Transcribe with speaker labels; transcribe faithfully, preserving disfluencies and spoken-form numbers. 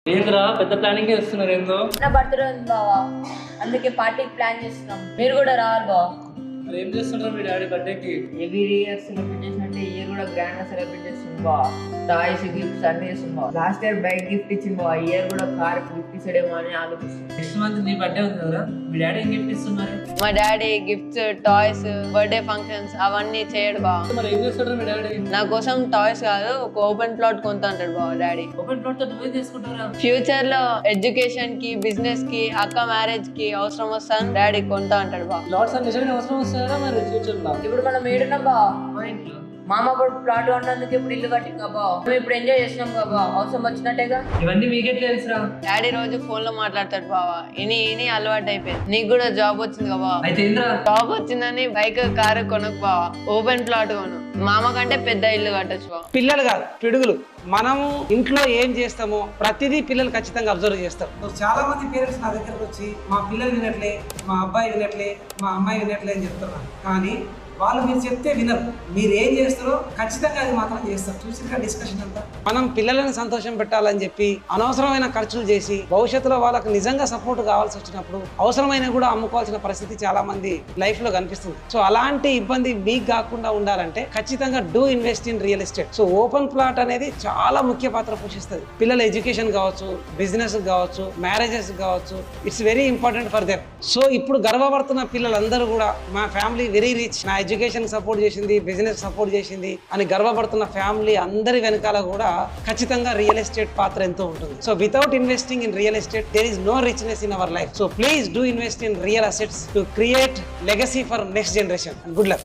Speaker 1: ఏంద్రా పెద్ద ప్లానింగ్ చేస్తున్నారు ఏందో.
Speaker 2: నా బర్త్డే ఉంది బావా, అందుకే పార్టీకి ప్లాన్ చేస్తున్నాం. మీరు కూడా రావాలి బావా.
Speaker 1: మరి ఏం చేస్తుంటారు మీ డాడీ బర్త్డేకి?
Speaker 2: ఎవ్రీ ఇయర్ సెలబ్రేట్ చేసినట్టే ఇయర్ కూడా గ్రాండ్ గా సెలబ్రేట్ చేస్తుంది బావా. టాయ్స్ గిఫ్ట్స్ అన్ని చేస్తుంది బావా. లాస్ట్ ఇయర్ బైక్ గిఫ్ట్ ఇచ్చింది బావా, ఇయర్ కూడా కార్ గిఫ్ట్ ఇచ్చాడేమో అని ఆలోచిస్తుంది.
Speaker 1: నెక్స్ట్ మంత్ నీ బర్త్డే ఉంది కదా, మీ డాడీ ఏం గిఫ్ట్ ఇస్తున్నారు?
Speaker 3: మా daddy gifts, toys, birthday functions అవన్నీ చేయడు బావ.
Speaker 1: మరి ఏం చేస్తాడు మీ డాడీ?
Speaker 3: నా కోసం టాయ్స్ కాదు, ఒక ఓపెన్ ప్లాట్ కొంత అంటాడు బావ డాడీ.
Speaker 1: ఓపెన్ ప్లాట్ తో నువ్వే తీసుకుంటారా?
Speaker 3: ఫ్యూచర్ లో ఎడ్యుకేషన్ కి, బిజినెస్ కి, అక్క మ్యారేజ్ కి అవసరం వస్తాను డాడీ కొంత అంటాడు బావ.
Speaker 1: ప్లాట్స్ అన్ని నిజంగా అవసరం వస్తారా మరి ఫ్యూచర్ లో?
Speaker 2: ఇప్పుడు మనం ఏడున్నాం బావా,
Speaker 1: మా ఇంట్లో
Speaker 2: మామ కూడా ప్లాట్ ఉన్నందుకు ఇప్పుడు ఇల్లు కట్టిందా బావా. మేము ఇప్పుడు ఎంజాయ్ చేసినాం బాబా, అవసరం వచ్చినట్టేగా.
Speaker 1: ఇవన్నీ మీకెట్లా తెలుసురా?
Speaker 3: డాడీ రోజు ఫోన్ లో మాట్లాడతాడు బావ, ఇని ఇని అలవాటు అయిపోయింది. నీకు కూడా జాబ్ వచ్చింది కదా బావ.
Speaker 1: అయితే ఏంద్రా?
Speaker 3: జాబ్ వచ్చిందని బైక్, కారు కొనకు బావ, ఓపెన్ ప్లాట్ కొను. మామ కంటే పెద్ద ఇల్లు కట్టొచ్చు బావ.
Speaker 4: పిల్లలు కాదు పిడుగులు. మనము ఇంట్లో ఏం చేస్తామో ప్రతిదీ పిల్లలు ఖచ్చితంగా అబ్జర్వ్ చేస్తారు. చాలా మంది పేరెంట్స్ నా దగ్గరకు వచ్చి మా పిల్లలు వినట్లే, మా అబ్బాయి వినట్లే, మా అమ్మాయి వినట్లే అని చెప్తున్నారు. కానీ వాళ్ళు మీరు చెప్తే వినరు. మీరు ఏం చేస్తారో ఖచ్చితంగా అది మాత్రం చేస్తారు. చూసిన డిస్కషన్ అంతా మనం పిల్లలను సంతోషం పెట్టాలని చెప్పి అనవసరమైన ఖర్చులు చేసి భవిష్యత్తులో వాళ్ళకి నిజంగా సపోర్ట్ కావాల్సి వచ్చినప్పుడు అవసరమైన కూడా అమ్ముకోవాల్సిన పరిస్థితి చాలా మంది లైఫ్ లో కనిపిస్తుంది. సో అలాంటి ఇబ్బంది మీకు కాకుండా ఉండాలంటే ఖచ్చితంగా do invest in real estate. So open plot అనేది చాలా ముఖ్య పాత్ర పోషిస్తుంది. పిల్లల ఎడ్యుకేషన్ కావచ్చు, బిజినెస్ కావచ్చు, మ్యారేజెస్ కావచ్చు, it's very important for them. So ఇప్పుడు గర్వపడుతున్న పిల్లలందరూ కూడా మా ఫ్యామిలీ వెరీ రిచ్, నా ఎడ్యుకేషన్ సపోర్ట్ చేసింది, బిజినెస్ సపోర్ట్ చేసింది అని గర్వపడుతున్న ఫ్యామిలీ అందరి వెనకాల కూడా ఖచ్చితంగా రియల్ ఎస్టేట్ పాత్ర ఎంతో ఉంటుంది. So without investing in real estate there is no richness in our life. So please do invest in real assets to create legacy for next generation. Good luck.